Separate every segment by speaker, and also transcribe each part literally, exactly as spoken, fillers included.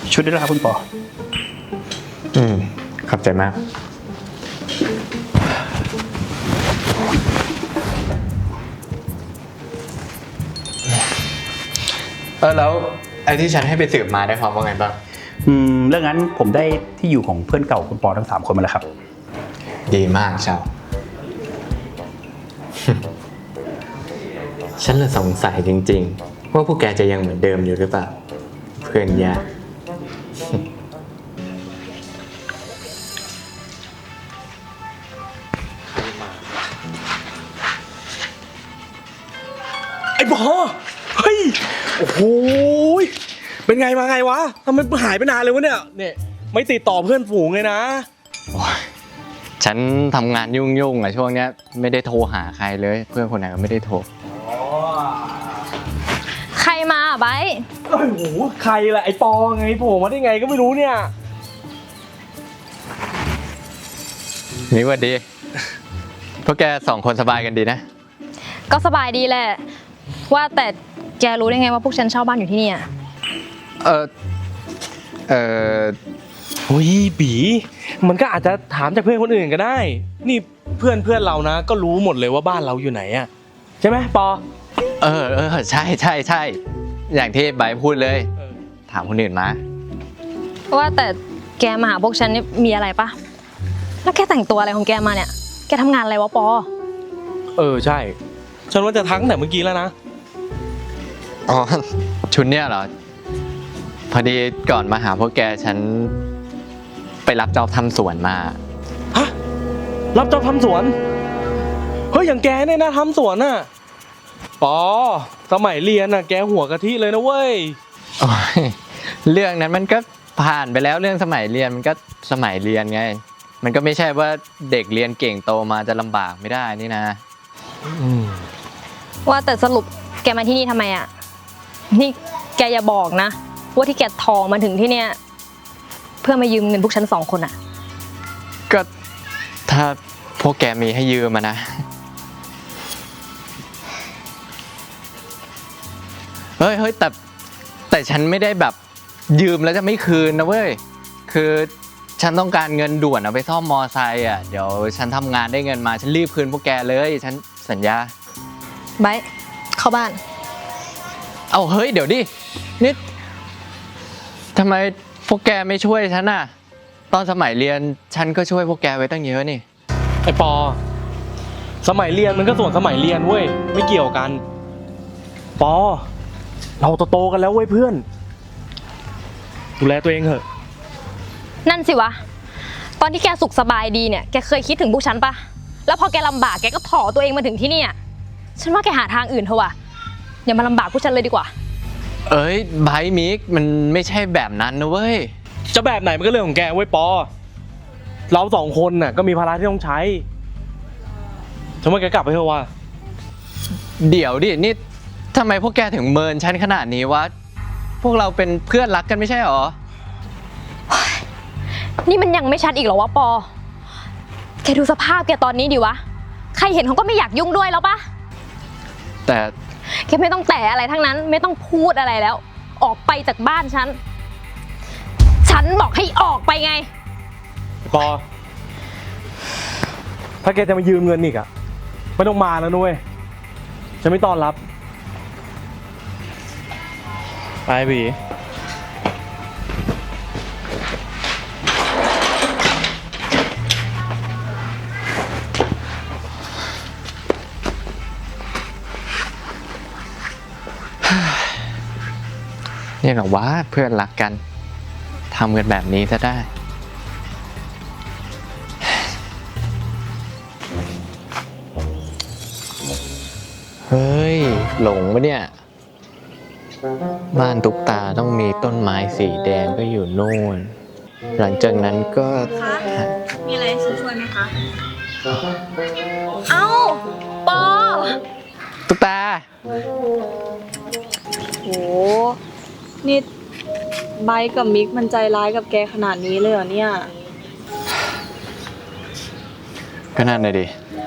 Speaker 1: ชุดด้วยนะครับคุณปอ
Speaker 2: อืมขอบใจมากเออแล้วไอ้ที่ฉันให้ไปสืบมาได้ความว่าไงบ้าง
Speaker 1: อืมเรื่องนั้นผมได้ที่อยู่ของเพื่อนเก่าคุณปอทั้งสามคนมาแล้วครับ
Speaker 2: ดีมากเช้า ฉันเลยสงสัยจริงๆว่าพวกแกจะยังเหมือนเดิมอยู่หรือเปล่าเพื่อนยาก
Speaker 3: ไอ้บอเฮ้ยโอ้โหเป็นไงมาไงวะทำไมหายไปนานเลยวะเนี่ยเนี่ยไม่ติดต่อเพื่อนฝูงเลยนะ
Speaker 2: ฉันทำงานยุ่งๆอ่ะช่วงเนี้ยไม่ได้โทรหาใครเลยเพื่อนคนไหนก็ไม่ได้โทร
Speaker 4: ใครมาอ่ะไบร์ท
Speaker 3: โอ้โหใครล่ะไอ้ปอไงโผล่มาได้ไงก็ไม่รู้เนี่ย
Speaker 2: นี่ว่าดีพวกแกสองคนสบายกันดีนะ
Speaker 4: ก็สบายดีแหละว่าแต่แกรู้ได้ไงว่าพวกฉันเช่าบ้านอยู่ที่นี่อ่ะ
Speaker 2: เออเออ
Speaker 3: โอ้ยบีมันก็อาจจะถามจากเพื่อนคนอื่นก็ได้นี่เพื่อนเพื่อนเรานะก็รู้หมดเลยว่าบ้านเราอยู่ไหนอ่ะใช่ไหมปอ
Speaker 2: เออเออใช่ใช่ใช่อย่างที่ไบร์ทพูดเลยถามคนอื่นมา
Speaker 4: ว่าแต่แกมาหาพวกฉันนี่มีอะไรปะแล้วแกแต่งตัวอะไรของแกมาเนี่ยแกทำงานอะไรวะปอ
Speaker 3: เออใช่ฉันว่าจะทักแต่เมื่อกี้แล้วนะ
Speaker 2: อ๋อชุดเนี้ยเหรอพอดีก่อนมาหาพวกแกฉันไปรับจอบทำสวนมา
Speaker 3: ฮะรับจอบทำสวนเฮ้ยอย่างแกเนี่ยนะทำสวนน่ะปอสมัยเรียนน่ะแกหัวกะทิเลยนะเว้ย
Speaker 2: โอ้ยเรื่องนั้นมันก็ผ่านไปแล้วเรื่องสมัยเรียนมันก็สมัยเรียนไงมันก็ไม่ใช่ว่าเด็กเรียนเก่งโตมาจะลำบากไม่ได้นี่นะ
Speaker 4: ว่าแต่สรุปแกมาที่นี่ทำไมอ่ะนี่แกอย่าบอกนะว่าที่แกทองมาถึงที่เนี่ยเพื่อมายืมเงินพวกฉันสองคนอ่ะ
Speaker 2: ก็ถ้าพวกแกมีให้ยืมมานะเฮ้ยเฮ้ยแต่แต่ฉันไม่ได้แบบยืมแล้วจะไม่คืนนะเว้ยคือฉันต้องการเงินด่วนเอาไปซ่อมมอไซค์อ่ะเดี๋ยวฉันทำงานได้เงินมาฉันรีบคืนพวกแกเลยฉันสัญญา
Speaker 4: ไบร์ทเข้าบ้าน
Speaker 2: เอาเฮ้ยเดี๋ยวดินี่ทำไมพวกแกไม่ช่วยฉันน่ะตอนสมัยเรียนฉันก็ช่วยพวกแกไว้ตั้งเยอะนี่
Speaker 3: ไอ้ปอสมัยเรียนมันก็ส่วนสมัยเรียนเว้ยไม่เกี่ยวกันปอเราโตๆกันแล้วเว้ยเพื่อนดูแลตัวเองเถอะ
Speaker 4: นั่นสิวะตอนที่แกสุขสบายดีเนี่ยแกเคยคิดถึงพวกฉันปะแล้วพอแกลำบากแกก็ถอตัวเองมาถึงที่นี่ฉันว่าแกหาทางอื่นเถอะวะอย่ามาลำบากพวกฉันเลยดีกว่า
Speaker 2: เอ้ยไบร์ทมิกมันไม่ใช่แบบนั้นนะเว้ย
Speaker 3: จะแบบไหนมันก็เรื่องของแกเว้ยปอเราสองคนน่ะก็มีภาระที่ต้องใช้ฉันว่าแกกลับไปเถอะวะ
Speaker 2: เดี๋ยวดินี่ทำไมพวกแกถึงเมินฉันขนาดนี้วะพวกเราเป็นเพื่อนรักกันไม่ใช่หรอ
Speaker 4: นี่มันยังไม่ชัดอีกเหรอวะปอแกดูสภาพแกตอนนี้ดิวะใครเห็นเขาก็ไม่อยากยุ่งด้วยแล้วปะ
Speaker 2: แต่
Speaker 4: แกไม่ต้องแต่อะไรทั้งนั้นไม่ต้องพูดอะไรแล้วออกไปจากบ้านฉันฉันบอกให้ออกไปไง
Speaker 3: ปอถ้าแกจะมายืมเงินอีกอะไม่ต้องมาแล้วนุ้ยฉันไม่ต้อนรับไปบี
Speaker 2: นี่เหรอวะเพื่อนรักกันทำกันแบบนี้ซะได้เฮ้ยหลงปะเนี่ยบ้านตุ๊กตาต้องมีต้นไม้สีแดงก็อยู่โน่นหลังจากนั้นก็
Speaker 4: มีอะไรช่วยไหมคะเอ้าปอ
Speaker 2: ตุ๊กตา
Speaker 5: โหนี่ไบร์ทกับมิกมันใจร้ายกับแกขนาดนี้เลยเหรอเนี่ย
Speaker 2: ก็นั่นเลยดิ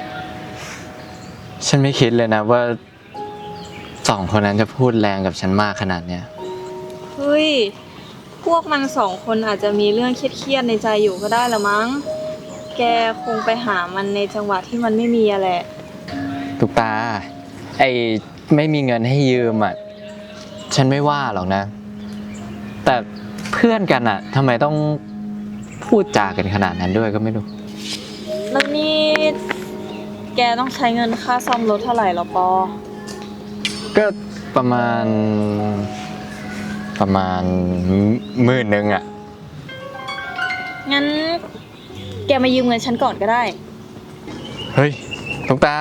Speaker 2: ฉันไม่คิดเลยนะว่าสองคนนั้นจะพูดแรงกับฉันมากขนาดเนี้ย
Speaker 5: เฮ้ยพวกมันสองคนอาจจะมีเรื่องเครียดๆในใจอยู่ก็ได้ละมั้ง แกคงไปหามันในจังหวะที่มันไม่มีอะแหละ
Speaker 2: ตุกตา ไอ้ไม่มีเงินให้ยืมอ่ะ ฉันไม่ว่าหรอกนะ แต่เพื่อนกันอ่ะทำไมต้องพูดจากันขนาดนั้นด้วยก็ไม่รู้
Speaker 5: แล้วนี่แกต้องใช้เงินค่าซ่อมรถเท่าไหร่หรอปอ
Speaker 2: ก็ประมาณ ประมาณหมื่นหนึ่งอ่ะ
Speaker 5: งั้นแกมายืมเงินฉันก่อนก็ได้
Speaker 2: เฮ้ยตุกตา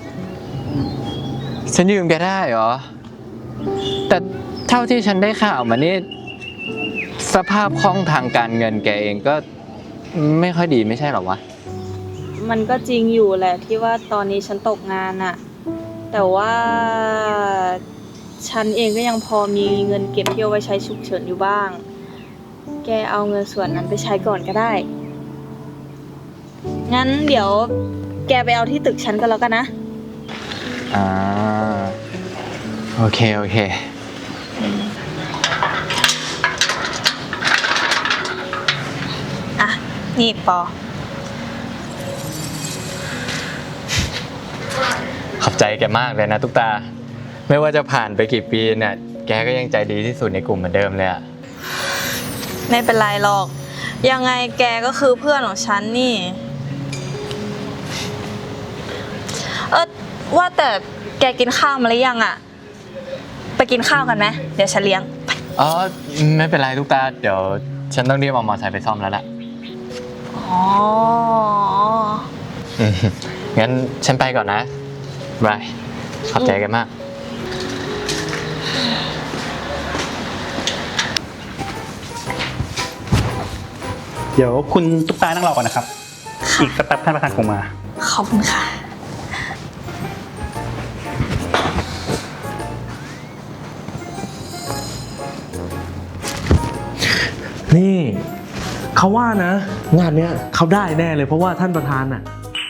Speaker 2: ฉันยืมแกได้เหรอ แต่เท่าที่ฉันได้ข่าวมานี่สภาพคล่องทางการเงินแกเองก็ไม่ค่อยดีไม่ใช่หรอวะ
Speaker 5: มันก็จริงอยู่แหละที่ว่าตอนนี้ฉันตกงานอะแต่ว่าฉันเองก็ยังพอมีเงินเก็บที่เอาไว้ใช้ฉุกเฉินอยู่บ้าง แกเอาเงินส่วนนั้นไปใช้ก่อนก็ได้ งั้นเดี๋ยวแกไปเอาที่ตึกฉันก็แล้วกันนะ
Speaker 2: อ่า โอเค โอเค
Speaker 5: อ่ะ นี่ปอ
Speaker 2: ขอบใจแกมากเลยนะตุ๊กตา ไม่ว่าจะผ่านไปกี่ปีเนี่ย แกก็ยังใจดีที่สุดในกลุ่มเหมือนเดิมเลยอะ
Speaker 5: ไม่เป็นไรหรอก ยังไงแกก็คือเพื่อนของฉันนี่ เออว่าแต่แกกินข้าวมาหรือยังอะไปกินข้าวกันไหมเดี๋ยวฉันเลี้ยง
Speaker 2: อ๋อ ไม่เป็นไรตุ๊กตา เดี๋ยวฉันต้องเรียกเอามอเตอร์ไซค์ไปซ่อมแล้วล่ะ
Speaker 5: อ๋อ
Speaker 2: อืมงั้นฉันไปก่อนนะบาย ขอบใจกันมาก
Speaker 1: เดี๋ยวคุณตุ๊กตานั่งรอก่อนนะครับ อีกสักแป๊บท่านประธานคงมา
Speaker 5: ขอบคุณค่ะ
Speaker 3: นี่เขาว่านะ งานเนี้ยเขาได้แน่เลยเพราะว่าท่านประธานน่ะ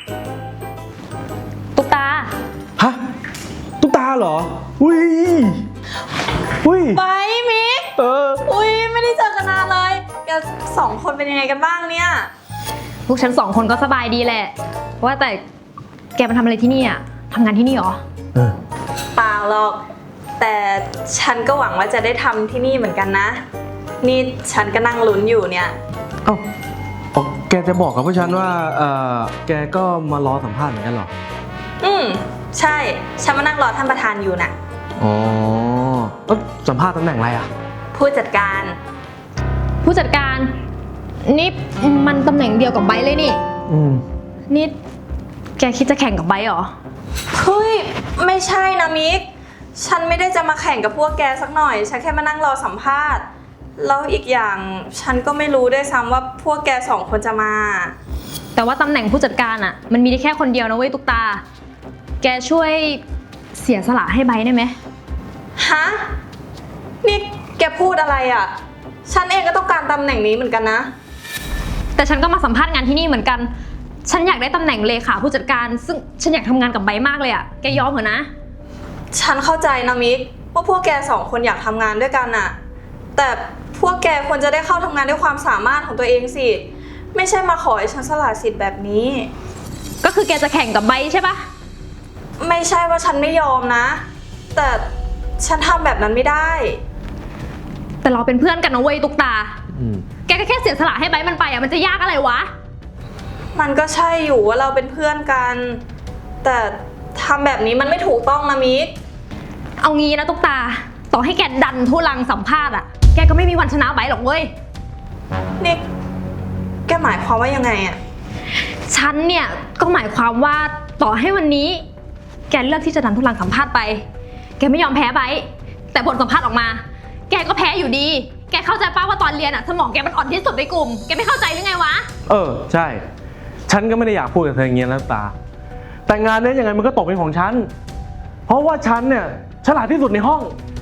Speaker 4: ตุ๊กตา
Speaker 3: ฮะ ตุ๊กตาเหรอ อุ้ย อุ้ย
Speaker 5: ไปมิก
Speaker 3: เออ
Speaker 5: อุ้ยไม่ได้เจอกันนานเลยแกสองคนเป็นยังไงกันบ้างเนี่ย
Speaker 4: พวกฉันสองคนก็สบายดีแหละ ว่าแต่แกมาทำอะไรที่นี่อ่ะทำงานที่นี่เหรอ
Speaker 3: เออ
Speaker 5: เปล่าหรอก แต่ฉันก็หวังว่าจะได้ทำที่นี่เหมือนกันนะ นี่ฉันก็นั่งลุ้นอยู่เนี่ย
Speaker 3: เอ้าอ๋อแกจะบอกกับพวกฉันว่า เออแกก็มารอสัมภาษณ์เหมือนกันเหรอ
Speaker 5: อืมใช่ ฉันมานั่งรอท่านประธานอยู่น่ะ
Speaker 3: อ๋อเอ้าสัมภาษณ์ตำแหน่งอะไรอ่ะ
Speaker 5: ผู้จัดการ
Speaker 4: ผู้จัดการ นี่มันตำแหน่งเดียวกับไบร์ทเลยนี่
Speaker 3: อืม
Speaker 4: นี่แกคิดจะแข่งกับไบร์ทเหรอ
Speaker 5: เฮ้ย ไม่ใช่นะมิก ฉันไม่ได้จะมาแข่งกับพวกแกสักหน่อย ฉันแค่มานั่งรอสัมภาษณ์ แล้วอีกอย่างฉันก็ไม่รู้ด้วยซ้ำว่าพวกแกสองคนจะมา
Speaker 4: แต่ว่าตำแหน่งผู้จัดการอ่ะ มันมีได้แค่คนเดียวนะเว้ยตุ๊กตา แกช่วยเสียสละให้ไบร์ทได้ไหม
Speaker 5: ฮะ นี่แกพูดอะไรอ่ะ ฉันเองก็ต้องการตำแหน่งนี้เหมือนกันนะ
Speaker 4: แต่ฉันก็มาสัมภาษณ์งานที่นี่เหมือนกัน ฉันอยากได้ตำแหน่งเลขาผู้จัดการ ซึ่งฉันอยากทำงานกับไบร์ทมากเลยอ่ะ แกยอมเหรอนะ
Speaker 5: ฉันเข้าใจนะมิกว่าพวกแกสองคนอยากทำงานด้วยกันน่ะ แต่พวกแกควรจะได้เข้าทำงานด้วยความสามารถของตัวเองสิ ไม่ใช่มาขอให้ฉันสละสิทธิ์แบบนี้
Speaker 4: ก็คือแกจะแข่งกับไบร์ทใช่ปะ
Speaker 5: ไม่ใช่ว่าฉันไม่ยอมนะ แต่ฉันทำแบบนั้นไม่ได้
Speaker 4: แต่เราเป็นเพื่อนกันนะเว้ยตุ๊กตา
Speaker 3: อืม
Speaker 4: แกก็แค่เสียสละให้ไบร์ทมันไปอ่ะ มันจะยากอะไรวะ
Speaker 5: มันก็ใช่อยู่ว่าเราเป็นเพื่อนกัน แต่ทำแบบนี้มันไม่ถูกต้องนะมิก
Speaker 4: เอางี้นะตุ๊กตา ต่อให้แกดันทุลังสัมภาษณ์อ่ะ แกก็ไม่มีวันชนะไบร์ทหรอกเว้ย
Speaker 5: นี่แกหมายความว่ายังไงอะ
Speaker 4: ฉันเนี่ยก็หมายความว่าต่อให้วันนี้ แกเลือกที่จะดันทุลังสัมภาษณ์ไป แกไม่ยอมแพ้ไบร์ทแต่ผลสัมภาษณ์ออกมา แกก็แพ้อยู่ดี แกเข้าใจป้าว่าตอนเรียนอ่ะสมองแกมันอ่อนที่สุดในกลุ่ม แกไม่เข้าใจหรือไงวะ
Speaker 3: เออ ใช่ ฉันก็ไม่ได้อยากพูดกับเธออย่างเงี้ยนะตา แต่งานเนี้ยยังไงมันก็ตกเป็นของฉัน เพราะว่าฉันเนี่ยฉลาดที่สุดในห้อง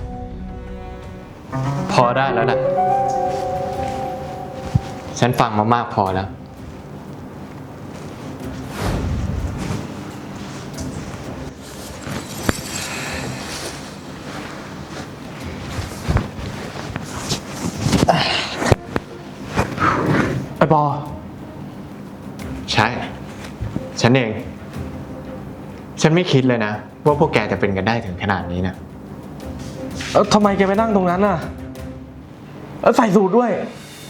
Speaker 2: พอได้แล้วนะฉันฟังมามากพอแล้ว
Speaker 3: ปอ
Speaker 2: ใช่ ฉันเอง ฉันไม่คิดเลยนะว่าพวกแกจะเป็นกันได้ถึงขนาดนี้นะ
Speaker 3: เออทำไมแกไปนั่งตรงนั้นน่ะเออใส่สูทด้วย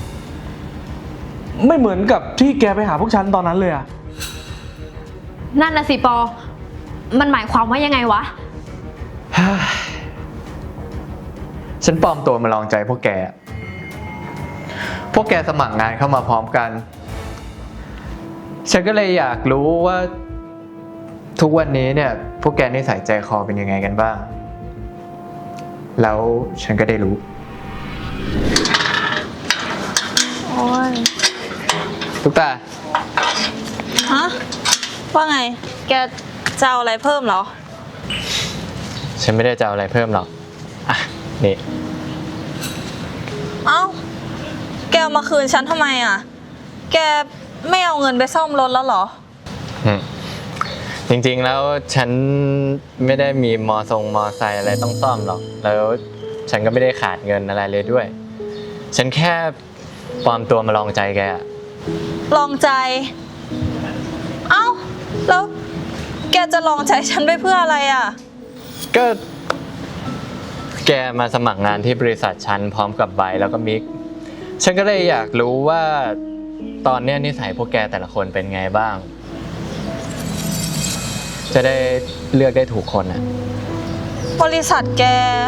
Speaker 3: ไม่เหมือนกับที่แกไปหาพวกฉันตอนนั้นเลยอะ
Speaker 4: นั่นน่ะสิปอ มันหมายความว่ายังไงวะ
Speaker 2: ฉันปลอมตัวมาลองใจพวกแก พวกแกสมัครงานเข้ามาพร้อมกัน ฉันก็เลยอยากรู้ว่าทุกวันนี้เนี่ยพวกแกนิสัยใจคอเป็นยังไงกันบ้าง แล้วฉันก็ได้รู้
Speaker 5: โอ้ย
Speaker 2: ทุกตา
Speaker 5: ฮะ ว่าไง แกจะเอาอะไรเพิ่มเหรอ
Speaker 2: ฉันไม่ได้จะเอาอะไรเพิ่มหรอก อ่ะ นี่
Speaker 5: เอ้า แกเอามาคืนฉันทำไมอ่ะ แกไม่เอาเงินไปซ่อมรถแล้วเหรอ
Speaker 2: อืมจริงๆแล้วฉันไม่ได้มีมอทรงมอไซค์อะไรต้องซ่อมหรอก แล้วฉันก็ไม่ได้ขาดเงินอะไรเลยด้วย ฉันแค่ปลอมตัวมาลองใจแกอะ
Speaker 5: ลองใจ เอ้า แล้วแกจะลองใจฉันไปเพื่ออะไรอ่ะ
Speaker 2: ก็แกมาสมัครงานที่บริษัทฉันพร้อมกับไบร์ทแล้วก็มิก ฉันก็เลยอยากรู้ว่าตอนเนี้ยนิสัยพวกแกแต่ละคนเป็นไงบ้าง จะได้เลือกได้ถูกคนอ่ะ
Speaker 5: บริษัทแก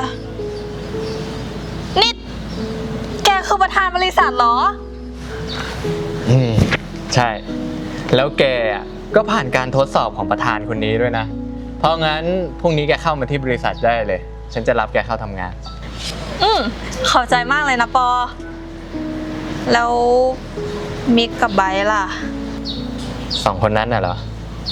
Speaker 5: นี่ แกคือประธานบริษัทเหรอ
Speaker 2: อืมใช่ แล้วแกอ่ะก็ผ่านการทดสอบของประธานคนนี้ด้วยนะ เพราะงั้นพรุ่งนี้แกเข้ามาที่บริษัทได้เลย ฉันจะรับแกเข้าทำงาน
Speaker 5: อืมขอบใจมากเลยนะปอ แล้วมิกกับไบร์ทล่ะ
Speaker 2: สองคนนั้นน่ะเหรอ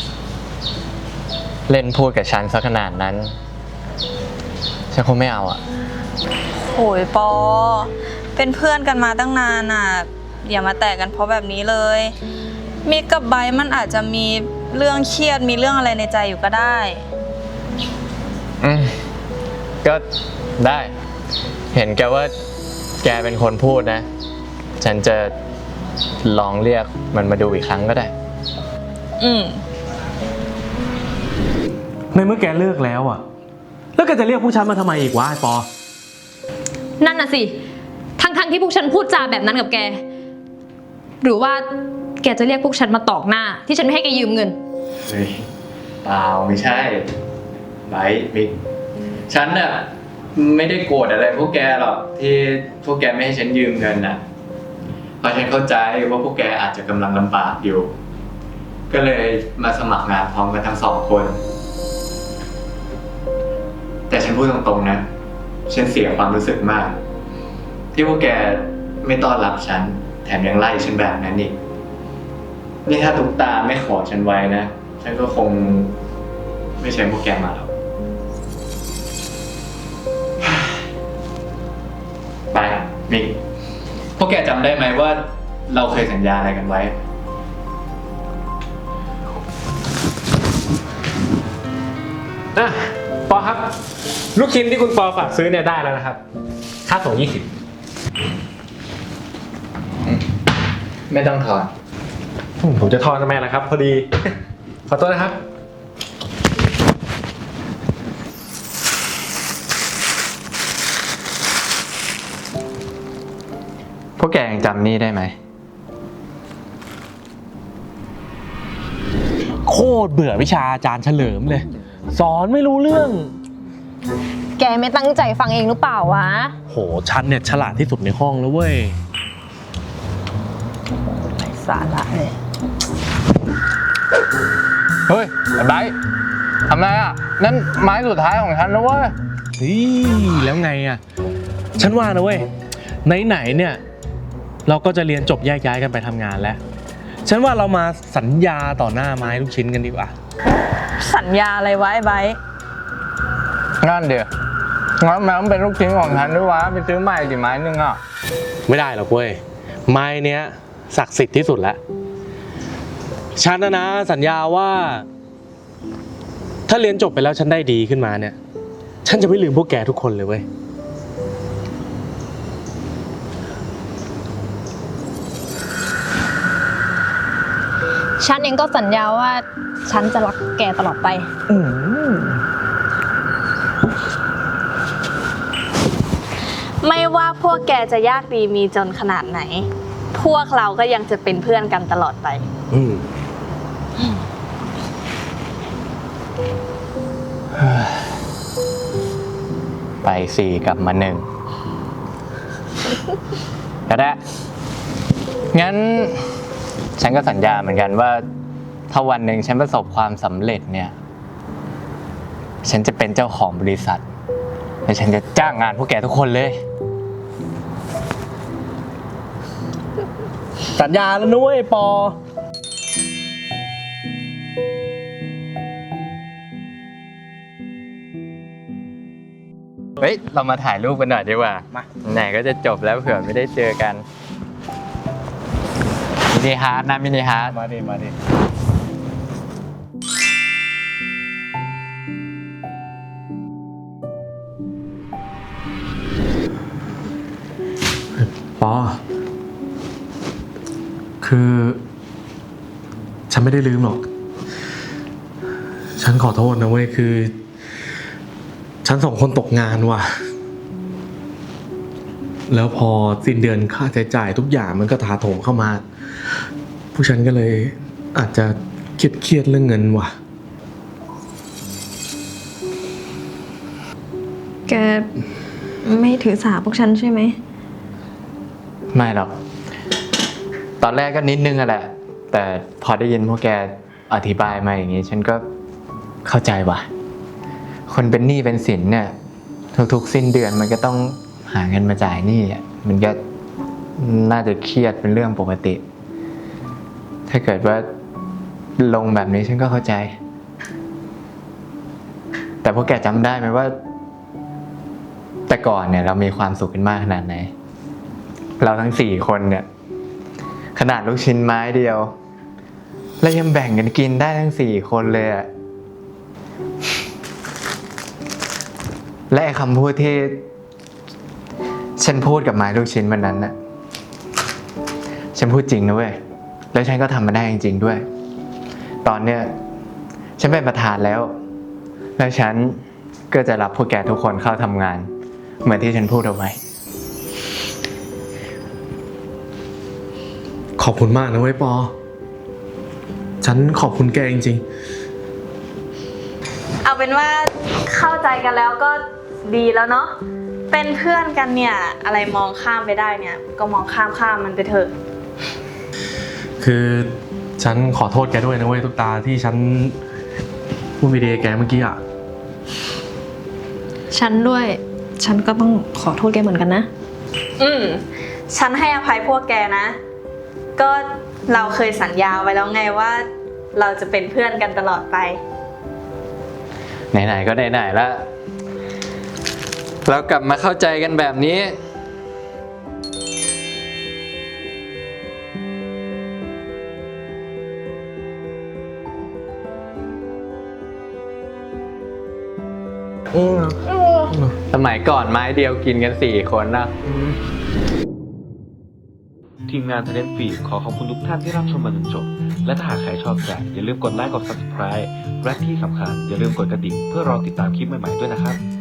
Speaker 2: เล่นพูดกับฉันซะขนาดนั้น ฉันคงไม่เอาอ่ะ
Speaker 5: โหยปอ เป็นเพื่อนกันมาตั้งนานอ่ะ อย่ามาแตกกันเพราะแบบนี้เลย มิกกับไบร์ทมันอาจจะมีเรื่องเครียดมีเรื่องอะไรในใจอยู่ก็ได้
Speaker 2: อืมก็ได้ เห็นแกว่าแกเป็นคนพูดนะ ฉันจะลองเรียกมันมาดูอีกครั้งก็ได้
Speaker 5: อืม
Speaker 3: ในเมื่อแกเลิกแล้วอะแล้วแกจะเรียกพวกฉันมาทำไมอีกวะไอ้ปอ
Speaker 4: นั่นน่ะสิ ทั้งๆที่พวกฉันพูดจาแบบนั้นกับแก หรือว่าแกจะเรียกพวกฉันมาตอกหน้า ที่ฉันไม่ให้แกยืมเงิน
Speaker 2: เฮ้ยเปล่าไม่ใช่ไบร์ทมิก ฉันน่ะไม่ได้โกรธอะไรพวกแกหรอกที่พวกแกไม่ให้ฉันยืมเงินน่ะ เพราะฉันเข้าใจว่าพวกแกอาจจะกำลังลำบากอยู่ ก็เลยมาสมัครงานพร้อมกันทั้งสองคน แต่ฉันพูดตรงๆนะ ฉันเสียความรู้สึกมาก ที่พวกแกไม่ต้อนรับฉัน แถมยังไล่ฉันแบบนั้นอีก นี่ถ้าตุ๊กตาไม่ขอฉันไว้นะ ฉันก็คงไม่ใช่พวกแกมาหรอก ไปมิก พวกแกจำได้ไหมว่าเราเคยสัญญาอะไรกันไว้
Speaker 6: อ่ะปอครับ ลูกชิ้นที่คุณปอฝากซื้อเนี่ยได้แล้วนะครับ ค่าส่งยี่สิบ
Speaker 2: ไม่ต้องถอน
Speaker 6: ผมจะทอนทำไมล่ะครับ พอดี ขอโทษนะครับ
Speaker 2: พวกแกยังจำนี่ได้ไหม
Speaker 3: โคตรเบื่อวิชาอาจารย์เฉลิมเลย สอนไม่รู้เรื่อง
Speaker 4: แกไม่ตั้งใจฟังเองหรือเปล่าวะ
Speaker 3: โหฉันเนี่ยฉลาดที่สุดในห้องแล้วเว้ย
Speaker 4: สาระเลย
Speaker 2: เฮ้ยไอ้ไบร์ททำไรอ่ะ นั่นไม้สุดท้ายของฉันนะเว้ย
Speaker 3: เฮ้ยแล้วไงอ่ะ ฉันว่านะเว้ยไหนๆเนี่ย เราก็จะเรียนจบแยกย้ายกันไปทำงานแล้ว ฉันว่าเรามาสัญญาต่อหน้าไม้ลูกชิ้นกันดีกว่า
Speaker 5: สัญญาอะไรไว้ไบร์ท
Speaker 2: นั่นเดี๋ยวงั้นมันเป็นลูกชิ้นของฉันด้วยวะ ไปซื้อใหม่ดิไม้นึงอ่ะ
Speaker 3: ไม่ได้หรอกเว้ยไม้เนี้ยศักดิ์สิทธิ์ที่สุดแล้ว ฉันนะนะสัญญาว่า ถ้าเรียนจบไปแล้วฉันได้ดีขึ้นมาเนี่ย ฉันจะไม่ลืมพวกแกทุกคนเลยเว้ย
Speaker 4: ฉันเองก็สัญญาว่าฉันจะรักแกตลอดไป
Speaker 5: ไม่ว่าพวกแกจะยากดีมีจนขนาดไหน พวกเราก็ยังจะเป็นเพื่อนกันตลอดไป
Speaker 3: อืม
Speaker 2: ไปสี่กลับมาหนึ่งก็ได้ งั้น ฉันก็สัญญาเหมือนกันว่า ถ้าวันหนึ่งฉันประสบความสำเร็จเนี่ย ฉันจะเป็นเจ้าของบริษัท และฉันจะจ้างงานพวกแกทุกคนเลย
Speaker 3: สัญญาแล้วนุ้ยปอ
Speaker 2: เฮ้ย เรามาถ่ายรูปกันหน่อยดีกว่า
Speaker 3: มา
Speaker 2: ไหนก็จะจบแล้วเผื่อไม่ได้เจอกัน มินิฮาร์ดนะมินิฮาร์ด
Speaker 3: มาดิมาดิ ปอ คือ ฉันไม่ได้ลืมหรอก ฉันขอโทษนะเว้ย คือ ฉันสองคนตกงานว่ะ แล้วพอสิ้นเดือนค่าใช้จ่ายทุกอย่างมันก็ถาโถมเข้ามา ผู้ฉันก็เลยอาจจะเครียดเครียดๆเรื่องเงินว่ะ
Speaker 4: แกไม่ถือสาพวกฉันใช่ไหม
Speaker 2: ไม่หรอก ตอนแรกก็นิดนึงอะแหละ แต่พอได้ยินพวกแกอธิบายมาอย่างนี้ ฉันก็เข้าใจว่ะ คนเป็นหนี้เป็นสินเนี่ย ทุกๆสิ้นเดือนมันก็ต้องหาเงินมาจ่ายหนี้อ่ะมันก็น่าจะเครียดเป็นเรื่องปกติ ถ้าเกิดว่าลงแบบนี้ฉันก็เข้าใจ แต่พวกแกจำได้ไหมว่า แต่ก่อนเนี่ยเรามีความสุขกันมากขนาดไหน เราทั้งสี่คนเนี่ย ขนาดลูกชิ้นไม้เดียวเรายังแบ่งกันกินได้ทั้งสี่คนเลยอะและไอ้คำพูดที่ฉันพูดกับไม้ลูกชิ้นวันนั้นน่ะฉันพูดจริงนะเว้ยแล้วฉันก็ทำมาได้จริงๆด้วย ตอนเนี้ยฉันเป็นประธานแล้ว แล้วฉันก็จะรับพวกแกทุกคนเข้าทำงาน เหมือนที่ฉันพูดเอาไว้
Speaker 3: ขอบคุณมากนะเว้ยปอ ฉันขอบคุณแกจริง
Speaker 5: เอาเป็นว่าเข้าใจกันแล้วก็ดีแล้วเนาะ เป็นเพื่อนกันเนี่ย อะไรมองข้ามไปได้เนี่ย ก็มองข้ามข้ามมันไปเถอะ
Speaker 3: ๆ คือฉันขอโทษแกด้วยนะเว้ยทุกตาที่ฉันพูดไม่ดีกับแกเมื่อกี้อ่ะ
Speaker 4: ฉันด้วย ฉันก็ต้องขอโทษแกเหมือนกันนะ
Speaker 5: อืม ฉันให้อภัยพวกแกนะ ก็เราเคยสัญญาไว้แล้วไงว่า เราจะเป็นเพื่อนกันตลอดไป
Speaker 2: ไหนๆก็ไหนๆแล้วเรากลับมาเข้าใจกันแบบนี้ สมัยก่อนไม้เดียวกินกันสี่คนนะ
Speaker 7: ทีมงาน Talent Feed ขอขอบคุณทุกท่านที่รับชมมาจนจบ และถ้าหากใครชอบแกอย่าลืมกดไลค์กด ซับสไครบ์ และที่สำคัญอย่าลืมกดกระดิ่งเพื่อรอติดตามคลิปใหม่ๆด้วยนะครับ